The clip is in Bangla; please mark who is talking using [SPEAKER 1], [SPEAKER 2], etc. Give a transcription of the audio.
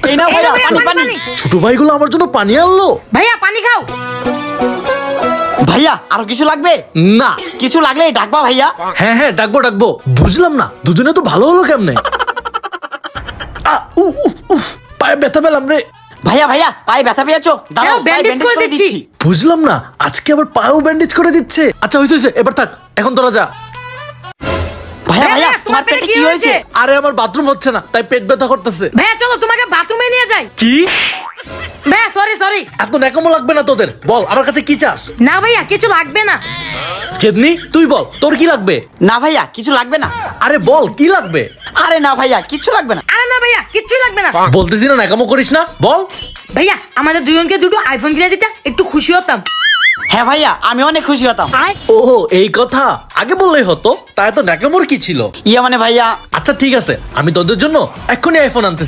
[SPEAKER 1] এই নাও ভাইয়া পানি পানি।
[SPEAKER 2] ছোট ভাইগুলো আমার জন্য পানি আনলো।
[SPEAKER 3] ভাইয়া পানি খাও।
[SPEAKER 1] ভাইয়া আরো কিছু লাগবে?
[SPEAKER 2] না।
[SPEAKER 1] কিছু লাগলে ডাকবা ভাইয়া।
[SPEAKER 2] হ্যাঁ হ্যাঁ ডাকবো ডাকবো। বুঝলাম না দুজনে তো ভালো হলো কেমনে? পায়ে ব্যথা পেলাম রে।
[SPEAKER 1] ভাইয়া ভাইয়া পায়ে ব্যথা পেয়েছো? দাঁড়াও
[SPEAKER 3] দাঁড়াও, ব্যান্ডেজ
[SPEAKER 1] ব্যান্ডেজ
[SPEAKER 3] করে
[SPEAKER 1] করে
[SPEAKER 3] দিচ্ছি।
[SPEAKER 1] দিচ্ছি।
[SPEAKER 2] বুঝলাম না আজকে আবার পায়েও ব্যান্ডেজ করে দিচ্ছে। আচ্ছা হইছে এবার থাক, এখন তোরা যা।
[SPEAKER 1] ভাইয়া ভাইয়া তোমার পেটে কি হয়েছে?
[SPEAKER 2] আরে আমার বাথরুম হচ্ছে না তাই পেট ব্যথা করতেছে।
[SPEAKER 3] ভাইয়া চলো তোমাকে বাথরুমে নিয়ে যাই।
[SPEAKER 2] কি?
[SPEAKER 3] ভাইয়া সরি।
[SPEAKER 2] এত ন্যাকামো লাগবে না তোদের, বল আমার কাছে কি চাস?
[SPEAKER 3] না ভাইয়া কিছু লাগবে না।
[SPEAKER 2] চেদনি তুই বল তোর কি লাগবে?
[SPEAKER 1] না ভাইয়া কিছু লাগবে না।
[SPEAKER 2] আরে বল কি লাগবে?
[SPEAKER 1] আরে না ভাইয়া কিছু লাগবে না।
[SPEAKER 3] আরে না ভাইয়া কিচ্ছু লাগবে না।
[SPEAKER 2] বলতেছি না ন্যাকামো করিস না, বল।
[SPEAKER 3] ভাইয়া আমাদের দুজনকে দুটো আইফোন কিনে দিতে একটু খুশি হতাম।
[SPEAKER 1] হ্যাঁ ভাইয়া আমি অনেক খুশি হতাম।
[SPEAKER 2] ওহো এই কথা আগে বললেই হতো, তাই তো ন্যাকামোর কি ছিল?
[SPEAKER 1] ইয়া মানে ভাইয়া
[SPEAKER 2] আচ্ছা ঠিক আছে আমি তোদের জন্য এক্ষুনি আইফোন আনতে